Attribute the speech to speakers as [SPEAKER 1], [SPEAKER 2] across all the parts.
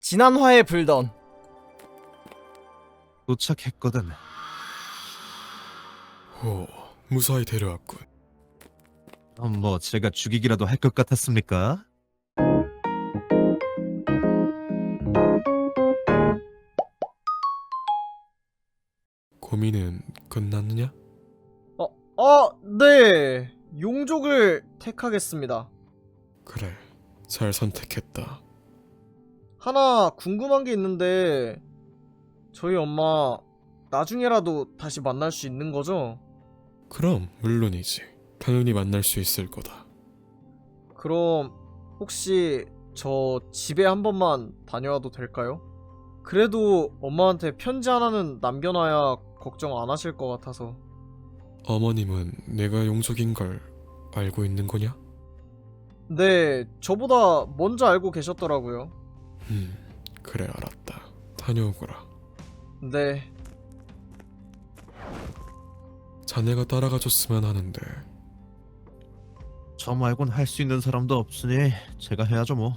[SPEAKER 1] 지난화에 불던.
[SPEAKER 2] 도착했거든.
[SPEAKER 3] 오, 무사히 데려왔군.
[SPEAKER 2] 뭐 제가 죽이기라도 할 것 같았습니까?
[SPEAKER 3] 고민은 끝났느냐?
[SPEAKER 1] 네. 용족을 택하겠습니다.
[SPEAKER 3] 그래, 잘 선택했다.
[SPEAKER 1] 하나 궁금한 게 있는데, 저희 엄마 나중에라도 다시 만날 수 있는 거죠?
[SPEAKER 3] 그럼 물론이지. 당연히 만날 수 있을 거다.
[SPEAKER 1] 그럼 혹시 저 집에 한 번만 다녀와도 될까요? 그래도 엄마한테 편지 하나는 남겨놔야 걱정 안 하실 것 같아서.
[SPEAKER 3] 어머님은 내가 용족인 걸 알고 있는 거냐?
[SPEAKER 1] 네, 저보다 먼저 알고 계셨더라고요.
[SPEAKER 3] 그래 알았다. 다녀오거라.
[SPEAKER 1] 네,
[SPEAKER 3] 자네가 따라가 줬으면 하는데.
[SPEAKER 2] 저 말곤 할 수 있는 사람도 없으니 제가 해야죠 뭐.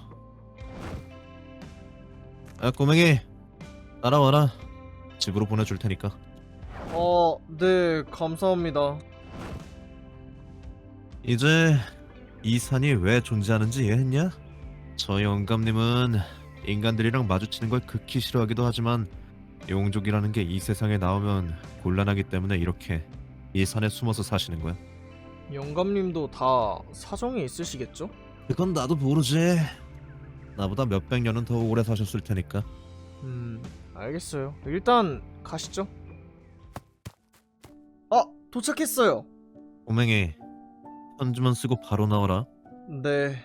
[SPEAKER 2] 꼬맹이 따라와라. 집으로 보내줄 테니까.
[SPEAKER 1] 네, 감사합니다.
[SPEAKER 2] 이제 이 산이 왜 존재하는지 이해했냐? 저 영감님은 인간들이랑 마주치는 걸 극히 싫어하기도 하지만 용족이라는 게 이 세상에 나오면 곤란하기 때문에 이렇게 이 산에 숨어서 사시는 거야.
[SPEAKER 1] 영감님도 다 사정이 있으시겠죠?
[SPEAKER 2] 그건 나도 모르지. 나보다 몇백 년은 더 오래 사셨을 테니까.
[SPEAKER 1] 알겠어요. 일단 가시죠. 도착했어요.
[SPEAKER 2] 꼬맹이 편지만 쓰고 바로 나와라.
[SPEAKER 1] 네.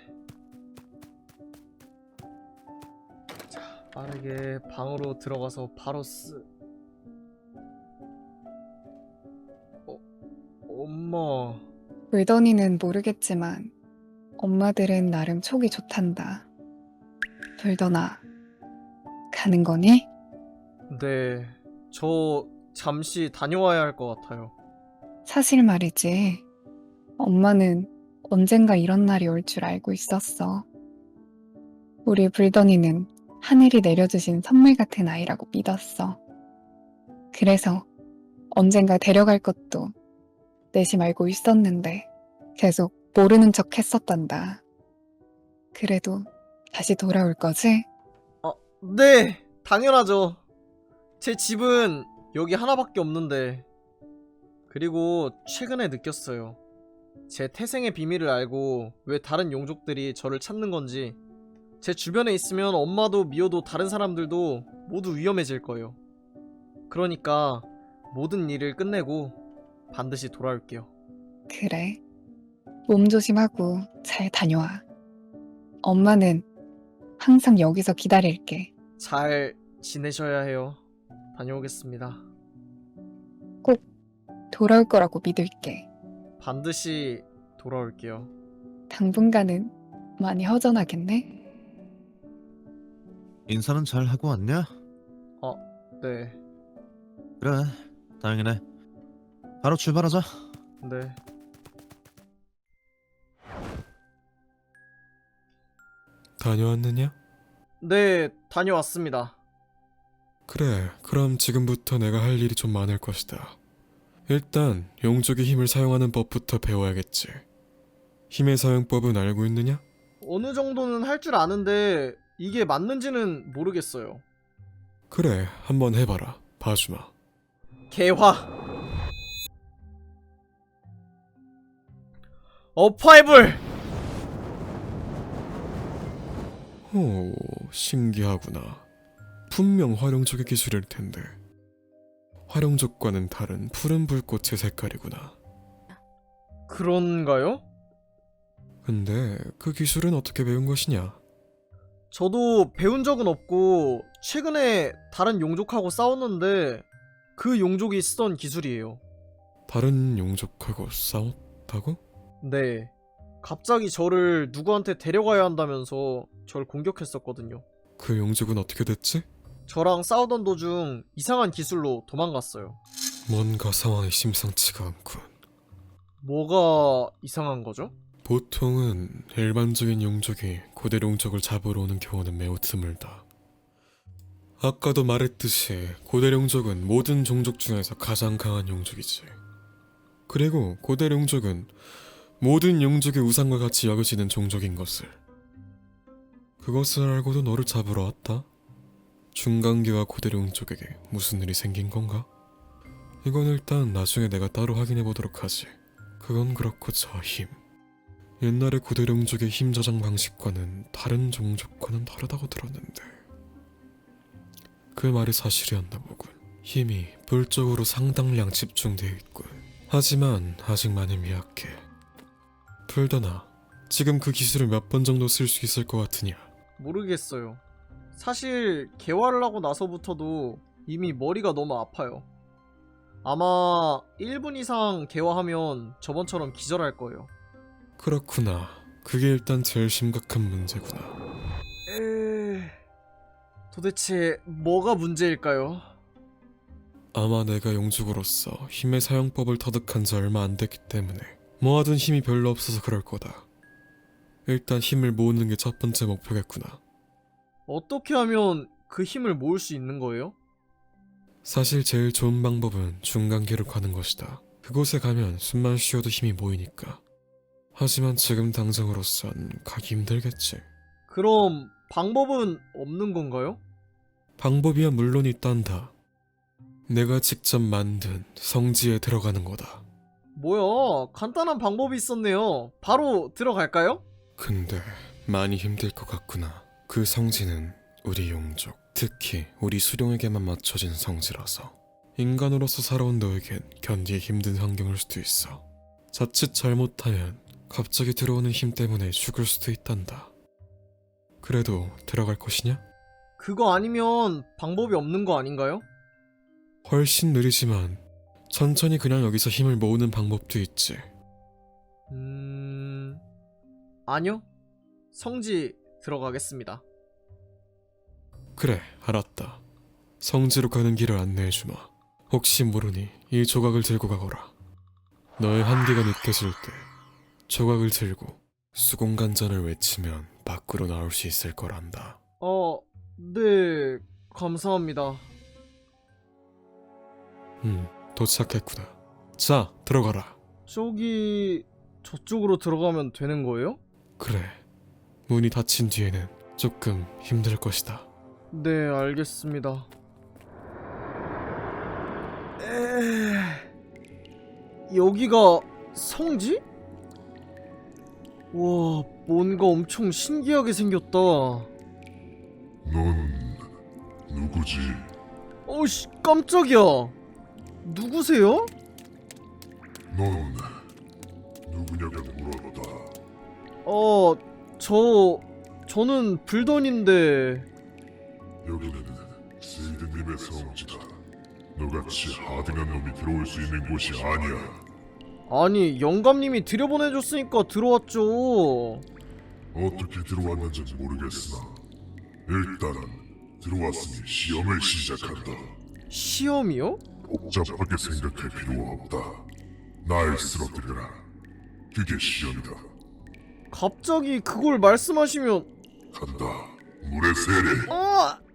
[SPEAKER 1] 자, 빠르게 방으로 들어가서 바로 엄마.
[SPEAKER 4] 불더니는 모르겠지만 엄마들은 나름 촉이 좋단다. 불더나, 가는 거니?
[SPEAKER 1] 네, 저 잠시 다녀와야 할 것 같아요.
[SPEAKER 4] 사실 말이지. 엄마는 언젠가 이런 날이 올 줄 알고 있었어. 우리 불더니는 하늘이 내려주신 선물 같은 아이라고 믿었어. 그래서 언젠가 데려갈 것도 내심 알고 있었는데 계속 모르는 척 했었단다. 그래도 다시 돌아올 거지?
[SPEAKER 1] 네, 당연하죠. 제 집은 여기 하나밖에 없는데. 그리고 최근에 느꼈어요. 제 태생의 비밀을 알고 왜 다른 용족들이 저를 찾는 건지. 제 주변에 있으면 엄마도 미호도 다른 사람들도 모두 위험해질 거예요. 그러니까 모든 일을 끝내고 반드시 돌아올게요.
[SPEAKER 4] 그래. 몸 조심하고 잘 다녀와. 엄마는 항상 여기서 기다릴게.
[SPEAKER 1] 잘 지내셔야 해요. 다녀오겠습니다.
[SPEAKER 4] 꼭 돌아올 거라고 믿을게.
[SPEAKER 1] 반드시 돌아올게요.
[SPEAKER 4] 당분간은 많이 허전하겠네?
[SPEAKER 2] 인사는 잘 하고 왔냐?
[SPEAKER 1] 네,
[SPEAKER 2] 그래, 다행이네. 바로 출발하자.
[SPEAKER 1] 네.
[SPEAKER 3] 다녀왔느냐?
[SPEAKER 1] 네, 다녀왔습니다.
[SPEAKER 3] 그래, 그럼 지금부터 내가 할 일이 좀 많을 것이다. 일단 용족의 힘을 사용하는 법부터 배워야겠지. 힘의 사용법은 알고 있느냐?
[SPEAKER 1] 어느 정도는 할 줄 아는데 이게 맞는지는 모르겠어요.
[SPEAKER 3] 그래, 한번 해봐라. 봐주마.
[SPEAKER 1] 개화. 어파이블.
[SPEAKER 3] 오, 신기하구나. 분명 활용족의 기술일 텐데. 활용족과는 다른 푸른 불꽃의 색깔이구나.
[SPEAKER 1] 그런가요?
[SPEAKER 3] 근데 그 기술은 어떻게 배운 것이냐?
[SPEAKER 1] 저도 배운 적은 없고 최근에 다른 용족하고 싸웠는데 그 용족이 쓰던 기술이에요.
[SPEAKER 3] 다른 용족하고 싸웠다고?
[SPEAKER 1] 네. 갑자기 저를 누구한테 데려가야 한다면서 절 공격했었거든요.
[SPEAKER 3] 그 용족은 어떻게 됐지?
[SPEAKER 1] 저랑 싸우던 도중 이상한 기술로 도망갔어요.
[SPEAKER 3] 뭔가 상황이 심상치가 않군.
[SPEAKER 1] 뭐가 이상한 거죠?
[SPEAKER 3] 보통은 일반적인 용족이 고대 용족을 잡으러 오는 경우는 매우 드물다. 아까도 말했듯이 고대룡족은 모든 종족 중에서 가장 강한 용족이지. 그리고 고대룡족은 모든 용족의 우상과 같이 여겨지는 종족인 것을. 그것을 알고도 너를 잡으러 왔다? 중간계와 고대룡족에게 무슨 일이 생긴 건가? 이건 일단 나중에 내가 따로 확인해 보도록 하지. 그건 그렇고 저 힘. 옛날의 고대룡족의 힘 저장 방식과는 다른 종족과는 다르다고 들었는데 그 말이 사실이었나 보군. 힘이 불적으로 상당량 집중되어 있군. 하지만 아직 많이 미약해. 풀더나 지금 그 기술을 몇 번 정도 쓸 수 있을 것 같으냐?
[SPEAKER 1] 모르겠어요. 사실 개화를 하고 나서부터도 이미 머리가 너무 아파요. 아마 1분 이상 개화하면 저번처럼 기절할 거예요.
[SPEAKER 3] 그렇구나. 그게 일단 제일 심각한 문제구나.
[SPEAKER 1] 도대체 뭐가 문제일까요?
[SPEAKER 3] 아마 내가 용족으로서 힘의 사용법을 터득한 지 얼마 안 됐기 때문에 모아둔 힘이 별로 없어서 그럴 거다. 일단 힘을 모으는 게 첫 번째 목표겠구나.
[SPEAKER 1] 어떻게 하면 그 힘을 모을 수 있는 거예요?
[SPEAKER 3] 사실 제일 좋은 방법은 중간계로 가는 것이다. 그곳에 가면 숨만 쉬어도 힘이 모이니까. 하지만 지금 당장으로선 가기 힘들겠지.
[SPEAKER 1] 그럼 방법은 없는 건가요?
[SPEAKER 3] 방법이야 물론 있단다. 내가 직접 만든 성지에 들어가는 거다.
[SPEAKER 1] 뭐야, 간단한 방법이 있었네요. 바로 들어갈까요?
[SPEAKER 3] 근데 많이 힘들 것 같구나. 그 성지는 우리 용족, 특히 우리 수룡에게만 맞춰진 성지라서 인간으로서 살아온 너에겐 견디기 힘든 환경일 수도 있어. 자칫 잘못하면 갑자기 들어오는 힘 때문에 죽을 수도 있단다. 그래도 들어갈 것이냐?
[SPEAKER 1] 그거 아니면 방법이 없는 거 아닌가요?
[SPEAKER 3] 훨씬 느리지만 천천히 그냥 여기서 힘을 모으는 방법도 있지.
[SPEAKER 1] 아니요. 성지 들어가겠습니다.
[SPEAKER 3] 그래, 알았다. 성지로 가는 길을 안내해주마. 혹시 모르니 이 조각을 들고 가거라. 너의 한계가 느껴질 때 조각을 들고 수공간전을 외치면 밖으로 나올 수 있을 거란다.
[SPEAKER 1] 네, 감사합니다.
[SPEAKER 3] 도착했구나. 자, 들어가라.
[SPEAKER 1] 저쪽으로 들어가면 되는 거예요?
[SPEAKER 3] 그래, 문이 닫힌 뒤에는 조금 힘들 것이다.
[SPEAKER 1] 네, 알겠습니다. 여기가 성지? 와, 뭔가 엄청 신기하게 생겼다.
[SPEAKER 5] 넌 누구지?
[SPEAKER 1] 어이씨, 깜짝이야. 누구세요?
[SPEAKER 5] 넌 누구냐고 물었다.
[SPEAKER 1] 저는 불던인데.
[SPEAKER 5] 여기는 세이드님의 성지다. 너같이 하등한 놈이 들어올 수 있는 곳이 아니야.
[SPEAKER 1] 아니, 영감님이 들여보내줬으니까 들어왔죠.
[SPEAKER 5] 어떻게 들어왔는지 모르겠으나 일단 들어왔으니 시험을 시작한다.
[SPEAKER 1] 시험이요?
[SPEAKER 5] 복잡하게 생각할 필요 없다. 날 쓰러뜨려라. 그게 시험이다.
[SPEAKER 1] 갑자기 그걸 말씀하시면.
[SPEAKER 5] 간다. 물의 세례.